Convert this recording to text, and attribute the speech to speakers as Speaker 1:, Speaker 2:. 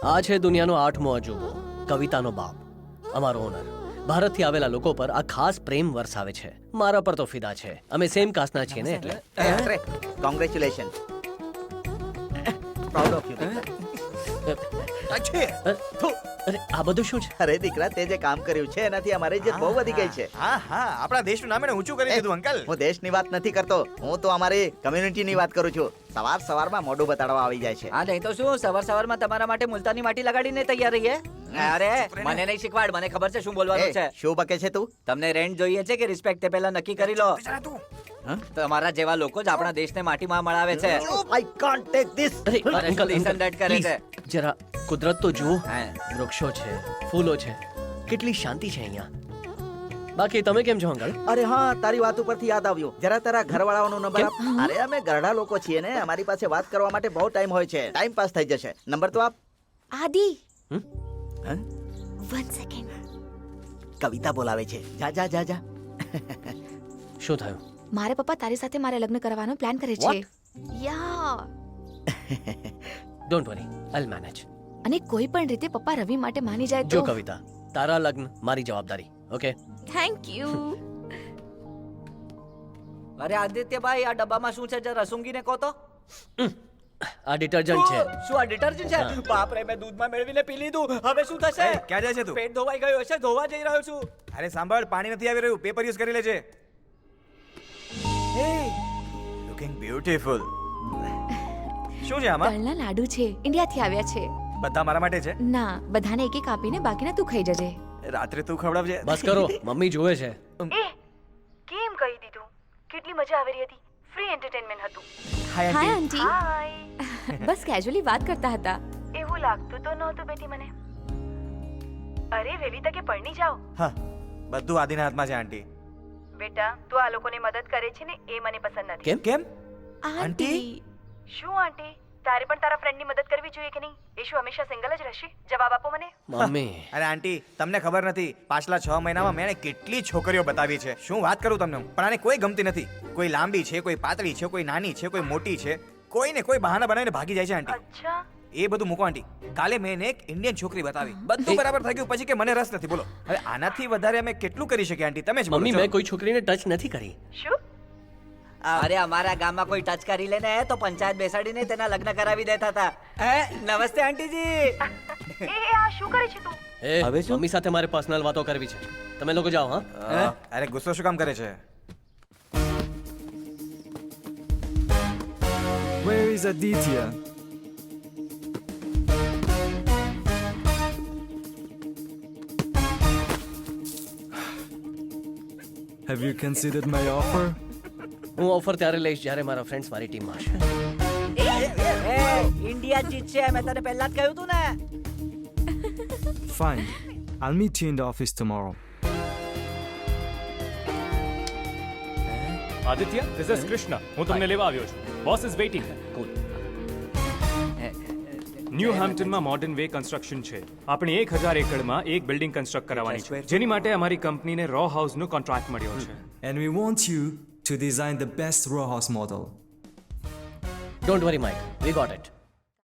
Speaker 1: આ છે દુનિયાનો 8મો અજૂબો, કવિતાનો બાપ, અમારો ઓનર. ભારતથી આવેલા લોકો પર આ ખાસ પ્રેમ વરસાવે છે. મારા પર તો ફિદા છે. અમે સેમ કાસ્ટના છીએ ને એટલે.
Speaker 2: કોંગ્રેચ્યુલેશન. Proud of you.
Speaker 1: અરે આ બધું શું છે?
Speaker 2: અરે દીકરા, તે જે કામ કર્યું છે એનાથી અમારી ઇજ્જત બહુ વધી ગઈ છે.
Speaker 3: હા હા, આપણા દેશનું નામ એને ઊંચું કરી દીધું અંકલ.
Speaker 2: હું દેશની વાત નથી કરતો, હું તો અમારી કમ્યુનિટીની વાત કરું છું. સવારમાં મોઢું બતાડવા આવી જાય છે.
Speaker 4: હા નહીં તો શું, સવારમાં તમારા માટે મુલતાની માટી લગાડીને તૈયાર રહીએ. અરે મને નહીં શીખવાડ, મને ખબર છે શું બોલવાનું છે.
Speaker 2: શું બકે છે તું?
Speaker 4: તમને રેન્ટ જોઈએ છે કે રિસ્પેક્ટ તે પહેલા નક્કી કરી લો. તમારા જેવા લોકો જ આપણા દેશને માટીમાં મળાવે છે.
Speaker 2: I can't take this.
Speaker 1: અરે અંકલ,
Speaker 4: Listen that કરે છે.
Speaker 1: જરા કુદરત તો જુઓ.
Speaker 4: હા.
Speaker 1: વૃક્ષો છે, ફૂલો છે, કેટલી શાંતિ છે અહીંયા. બાકી તમે કેમ છો અંકલ?
Speaker 2: અરે હા, તારી વાત ઉપરથી યાદ આવ્યું. જરા તારા ઘરવાળાઓનો નંબર આપ. અરે અમે ઘરડા લોકો છીએ ને, અમારી પાસે વાત કરવા માટે બહુ ટાઈમ હોય છે. ટાઈમ પાસ થઈ જશે. નંબર તો આપ.
Speaker 5: આદિ,
Speaker 2: હં?
Speaker 5: 1 સેકન્ડ.
Speaker 2: કવિતા બોલાવે છે. જા જા જા જા.
Speaker 1: શું થયું?
Speaker 5: મારા પપ્પા તારી સાથે મારે લગ્ન કરવાનો પ્લાન કરે છે. Yeah.
Speaker 1: Don't worry, I'll manage.
Speaker 5: અને કોઈ પણ રીતે પપ્પા રવિ માટે માની જાય
Speaker 1: જો
Speaker 5: તો.
Speaker 1: કવિતા, તારા લગ્ન મારી જવાબદારી. ઓકે?
Speaker 5: Thank you.
Speaker 4: અરે આદિત્યભાઈ, આ ડબ્બામાં શું છે જરા રસુંગીને કહો તો.
Speaker 1: આ ડિટર્જન્ટ છે.
Speaker 4: શું આ ડિટર્જન્ટ છે? બાપ રે, મેં દૂધમાં મેળવીને પી લીધું. હવે શું થશે?
Speaker 3: ક્યાં જાય છે તું?
Speaker 4: પેટ ધોવાઈ ગયું હશે, ધોવા જઈ રહ્યો છું.
Speaker 3: અરે સાંભળ, પાણી નથી આવી રહ્યું, પેપર યુઝ કરી લેજે. હે, લુકિંગ બ્યુટીફુલ. શું છે આમાં?
Speaker 5: તલના લાડુ છે, ઇન્ડિયાથી આવ્યા છે.
Speaker 3: બધા મારા માટે છે?
Speaker 5: ના, બધાને એક એક આપીને બાકીના તું ખાઈ જજે.
Speaker 3: રાત્રે તું ખવડાવજે.
Speaker 1: બસ કરો, મમ્મી જોવે છે.
Speaker 6: કેમ કહી દીધું? કેટલી મજા આવી રહી હતી. ફ્રી એન્ટરટેનમેન્ટ હતું.
Speaker 3: હાય
Speaker 5: હાય
Speaker 3: આંટી.
Speaker 5: આંટી. બસ કેઝ્યુઅલી વાત કરતા હતા.
Speaker 6: એવું લાગતું તો નહોતું બેટી મને. અરે વેલી તકે પરણી જાઓ.
Speaker 3: હા, બધું આદિના હાથમાં છે આંટી.
Speaker 6: બેટા, તું આ લોકોને મદદ કરે છે ને એ મને પસંદ નથી.
Speaker 1: કેમ?
Speaker 3: કેમ?
Speaker 5: આંટી.
Speaker 6: શું આંટી? તારે પણ તારા ફ્રેન્ડની મદદ કરવી જોઈએ કે નહીં? એ શું હંમેશા સિંગલ જ રહેશે? જવાબ આપો મને.
Speaker 1: મમ્મી,
Speaker 3: અરે આંટી, તમને ખબર નથી, પાછલા 6 મહિનામાં મેં એને કેટલી છોકરીઓ બતાવી છે. શું વાત કરું તમને હું. પણ આને કોઈ ગમતી નથી. કોઈ લાંબી છે, કોઈ પાતળી છે, કોઈ નાની છે, કોઈ મોટી છે. કોઈને કોઈ બહાના બનાવીને ભાગી જાય છે આંટી.
Speaker 6: અચ્છા.
Speaker 3: એ બધું મૂકો આંટી. કાલે મેં એને એક ઇન્ડિયન છોકરી બતાવી, બધું બરાબર થઈ ગયું પછી કે મને રસ નથી. બોલો હવે આનાથી વધારે અમે કેટલું કરી શકીએ આંટી? તમે જ બોલો.
Speaker 1: મમ્મી,
Speaker 3: ચલો.
Speaker 1: મેં કોઈ છોકરીને ટચ નથી કરી.
Speaker 6: શું?
Speaker 4: અરે અમારા ગામમાં કોઈ ટચ કરી લે ને તો પંચાયત બેસાડીને તેના લગ્ન કરાવી દેતા હતા. નમસ્તે આંટીજી.
Speaker 6: એ આ શું કરે છે તું?
Speaker 1: એ
Speaker 4: હવે શું?
Speaker 1: મમ્મી સાથે મારે પર્સનલ વાતો કરવી છે. તમે લોકો જાઓ. હા,
Speaker 3: અરે ગુસ્સો શું કામ કરે છે?
Speaker 7: Where is Aditya? Have you considered my offer?
Speaker 1: હું ઓફર ત્યારે લઈશ જ્યારે મારા ફ્રેન્ડ્સ મારી ટીમમાં હશે.
Speaker 4: ઇન્ડિયા જીતશે, મેં તને પહેલા જ કહ્યું તું ને.
Speaker 7: Fine. I'll meet you in the office tomorrow.
Speaker 8: Aditya, this is Krishna. હું તમને લેવા આવ્યો છું. Boss is waiting. ન્યૂ હેમ્પટનમાં મોડર્ન વે કન્સ્ટ્રક્શન છે. આપણે 1000 એકડમાં એક બિલ્ડિંગ કન્સ્ટ્રક્ટ કરવાની છે, જેની માટે અમારી કંપનીને રો હાઉસનો કોન્ટ્રાક્ટ મળ્યો છે.
Speaker 7: And we want you to design the best row house model.
Speaker 1: Don't worry Mike, we got it.